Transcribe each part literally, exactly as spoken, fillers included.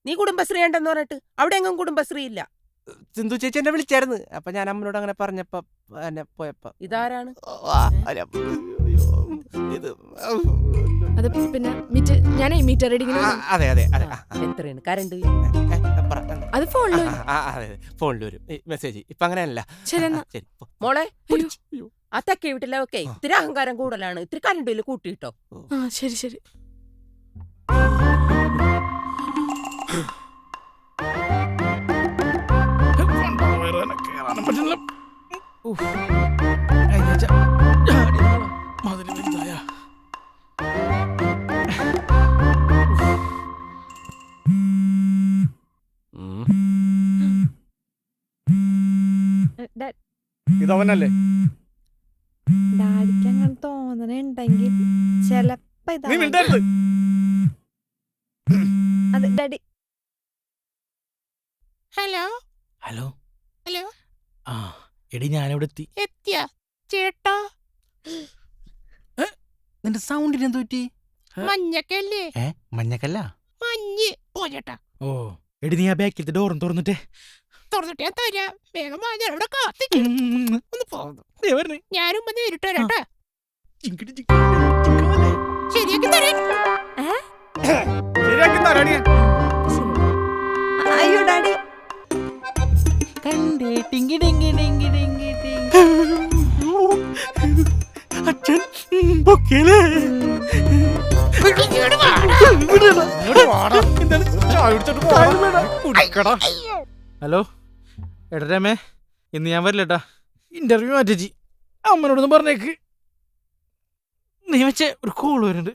നീ കുടുംബശ്രീ ഉണ്ടെന്ന് പറഞ്ഞിട്ട് അവിടെ എങ്ങും കുടുംബശ്രീ ഇല്ല. സിന്ധു ചേച്ചി എന്നെ വിളിച്ചായിരുന്നു. അപ്പൊ ഞാൻ അമ്മനോട് അങ്ങനെ പറഞ്ഞപ്പോ എന്നെ പോയപ്പോ. ഇതാരാണ്? അത് പിന്നെ മീറ്റർ ഞാനേ മീറ്റർ റീഡിങ്ങിന് അതെ അതെ അതെ. എത്രയാണ് കറണ്ട്? അത് ഫോണിൽ ഫോണിൽ വരും മെസ്സേജ്. ഇപ്പൊ അങ്ങനെയല്ല. ശരി ശരി മോളെ, ആ തെക്കേ വീട്ടിലൊക്കെ ഇത്തിരി അഹങ്കാരം കൂടുതലാണ്. ഇത്തിരി കറണ്ട് ബില്ല് കൂട്ടിയിട്ടോ. ആ ശരി ശരി. ഇതവനല്ലേ? ഡാഡിക്ക് അങ്ങനെ തോന്നണുണ്ടെങ്കിൽ ചെലപ്പോ അതെ ഡാഡി. Hello hello hello. ആ എടി ഞാനിവിടെ എത്തി. എത്തിയ ചേട്ടാ? നിന്റെ സൗണ്ടിന് എന്ത് പറ്റി? മഞ്ഞക്കല്ലേ? ഏ മഞ്ഞക്കല്ല, മഞ്ഞ്. ഓ ചേട്ടാ. ഓ എടി നീ ആ ബാക്കിലത്തെ ഡോറും തുറന്നിട്ടേ. തുറന്നിട്ട് ഞാൻ തരാം. വേഗം അവിടെ കാത്തിക്കും. ഒന്ന് പോകുന്നു. ഞാനും വന്ന് നേരിട്ട് വരാട്ടാ. ശരിയാക്കി തരാം. ശരിയാക്കി തരാടി. അയ്യോ ഡാഡി. കണ്ടേ ടിങ്കി ടിങ്കി ടിങ്കി ടിങ്കി ടിങ്കി. അച്ഛൻ പൊക്കിലേ. ഹലോ എടാ രമേ, ഇന്ന് ഞാൻ വരില്ലട്ടാ. ഇന്റർവ്യൂ മാറ്റി. അമ്മനോടൊന്ന് പറഞ്ഞേക്ക്. നീ വെച്ചേ ഒരു കോള് വരുന്നുണ്ട്.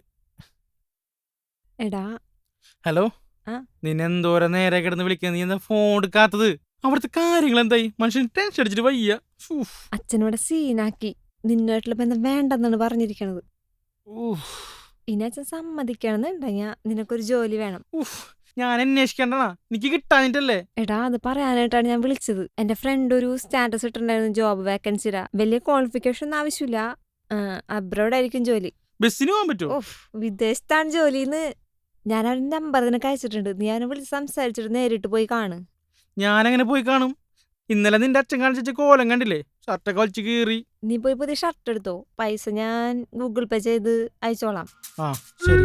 എടാ ഹലോ, നിന്നെ എന്തോരം നേരെ കിടന്ന് വിളിക്കാൻ, നീ എന്താ ഫോൺ എടുക്കാത്തത്? അവിടുത്തെ കാര്യങ്ങൾ എന്തായി? മനുഷ്യൻ ടെൻഷൻ അടിച്ചിട്ട് വയ്യ. അച്ഛനോടെ സീനാക്കി. നിന്നുമായിട്ടുള്ള ബന്ധം വേണ്ടെന്നാണ് പറഞ്ഞിരിക്കണത്. ഇനി അച്ഛൻ സമ്മതിക്കണമെന്നുണ്ടെങ്കിൽ നിനക്കൊരു ജോലി വേണം. ഞാൻ അന്വേഷിക്കണ്ടണ, എനിക്ക് കിട്ടാനിട്ടല്ലേ. എടാ അത് പറയാനായിട്ടാണ് ഞാൻ വിളിച്ചത്. എന്റെ ഫ്രണ്ട് ഒരു സ്റ്റാറ്റസ് ഇട്ടിട്ടുണ്ടായിരുന്നു ജോബ് വേക്കൻസിരാ. വലിയ ക്വാളിഫിക്കേഷൻ ഒന്നും ആവശ്യമില്ല. അബ്രോഡ് ആയിരിക്കും ജോലി. ബസ്സിന് പോകാൻ പറ്റുമോ? ഓഹ് വിദേശത്താണ് ജോലിന്ന്. ഞാൻ അവന്റെ നമ്പർ നിനക്ക് അയച്ചിട്ടുണ്ട്. നീ അവനെ വിളിച്ച് സംസാരിച്ചിട്ട് നേരിട്ട് പോയി കാണ്. ഞാനെങ്ങനെ പോയി കാണും? ഇന്നലെ നിന്റെ അച്ഛൻ കാണിച്ച കോലം കണ്ടില്ലേ? ഷർട്ടൊക്കെ വലിച്ചു കീറി. നീ പോയി പുതിയ ഷർട്ട് എടുത്തോ. പൈസ ഞാൻ ഗൂഗിൾ പേ ചെയ്ത് അയച്ചോളാം. ആ ശരി.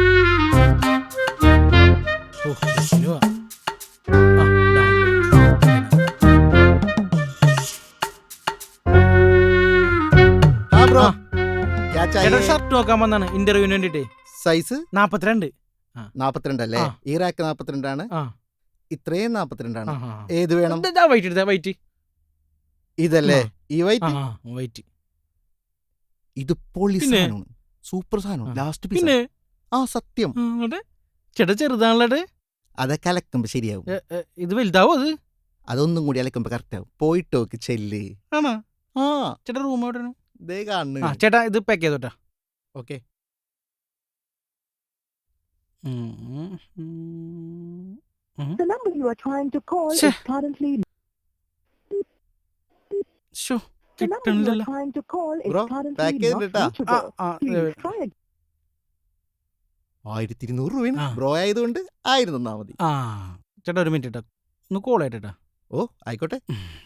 ഷർട്ട് നോക്കാൻ വന്നാണ് ഇന്റർവ്യൂവിന് വേണ്ടിട്ടേ. സൈസ് നാപ്പത്തിരണ്ട്. നാപ്പത്തിരണ്ടല്ലേ? ഈ റാക്ക് നാപ്പത്തിരണ്ടാണ്, ഇത്രയും നാപ്പത്തിരണ്ടാണ്. ഏത് വേണം? വൈറ്റ് വൈറ്റ് ഇതല്ലേ? ഈ വൈറ്റ് വൈറ്റ്. ഇത് പൊളി സാധനമാണ്, സൂപ്പർ സാധനം. Last piece. ആ സത്യം. ചേട്ടാ ചെറുതാണല്ലേ? അതൊക്കെ അലക്കുമ്പോ ശരിയാവും. ഇത് വലുതാവും. അത് അതൊന്നും കൂടി അലക്കുമ്പോ കറക്റ്റ് ആവും. പോയിട്ടോക്ക് ചെല്ല്. ആണോ? ആ ചേട്ടാ റൂം എവിടെയാണ്? ദേ കാണുന്നു. ചേട്ടാ ഇത് പാക്ക് ചെയ്തോട്ടാ. Okay. The number you are trying to call Sure. is currently ശോ the number you are കിട്ടണില്ലല്ലോ. trying to call is Bro, currently back not ചെയ്തിട്ടാ. ആ reachable. ആ Please try again. ആയിരത്തി ഇരുന്നൂറ് രൂപയാണ്. ആ. ബ്രോ ആയതുകൊണ്ട് ആയിരം തന്നാ മതി. ആ ചേട്ടാ ഒരു മിനിറ്റ് കേട്ടോ, ഒന്ന് കോൾ ആയിട്ടാ. ഓ ആയിക്കോട്ടെ.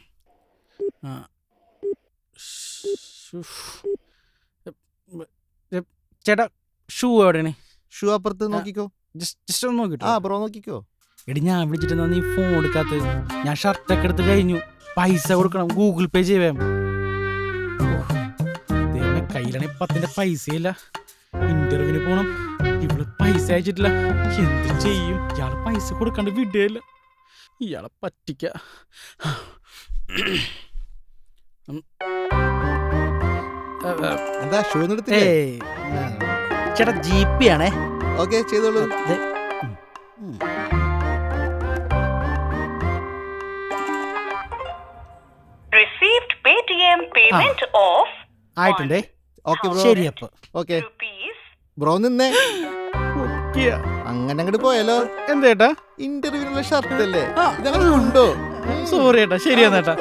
ചേട്ടാ ഷൂ എവിടെയാണ്? ഷൂ അപ്പുറത്ത് നോക്കിക്കോ. ജസ്റ്റ് ഒന്ന് നോക്കിട്ടോ. ആ ബ്രോ നോക്കിക്കോ. എടി ഞാൻ വിളിച്ചിട്ട് നീ ഫോൺ എടുക്കാത്തത്? ഞാൻ ഷർട്ടൊക്കെ എടുത്ത് കഴിഞ്ഞു. പൈസ കൊടുക്കണം, ഗൂഗിൾ പേ ചെയ്യാം. കയ്യിലാണെങ്കിൽ പത്തിന്റെ പൈസയില്ല. ഇന്റർവ്യൂവിന് പോണം, ഇവള് പൈസ അയച്ചിട്ടില്ല. എന്ത് ചെയ്യും? ഇയാളെ പൈസ കൊടുക്കാണ്ട് വിടുകയില്ല. ഇയാളെ പറ്റിക്ക. എന്താ ഷൂ എടുത്തില്ലേ? ചേട്ടാ ജി പി ആണേ. ഓക്കെ ചെയ്തോളൂ. Received Paytm payment of ആയിട്ടുണ്ടേ. Okay bro. ശരി അപ്പൊ ഓക്കെ rupees. ബ്രോ നിന്നേ. അങ്ങനെ അങ്ങോട്ട് പോയാലോ? എന്തേട്ടാ? ഇന്റർവ്യൂവിനുള്ള ഷർട്ട് അല്ലേ? ഇതങ്ങനെ ഉണ്ടോ? സോറി ഏട്ടാ. ശരിയാന്നേട്ടാ.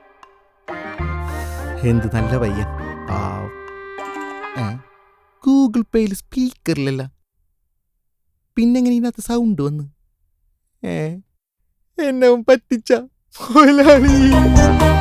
എന്ത് നല്ല പയ്യൻ. ഗൂഗിൾ പേയിൽ സ്പീക്കറിലല്ല, പിന്നെങ്ങനെ ഇതിനകത്ത് സൗണ്ട് വന്ന്? ഏ എന്നെ അവൻ പറ്റിച്ച മുതലാളി.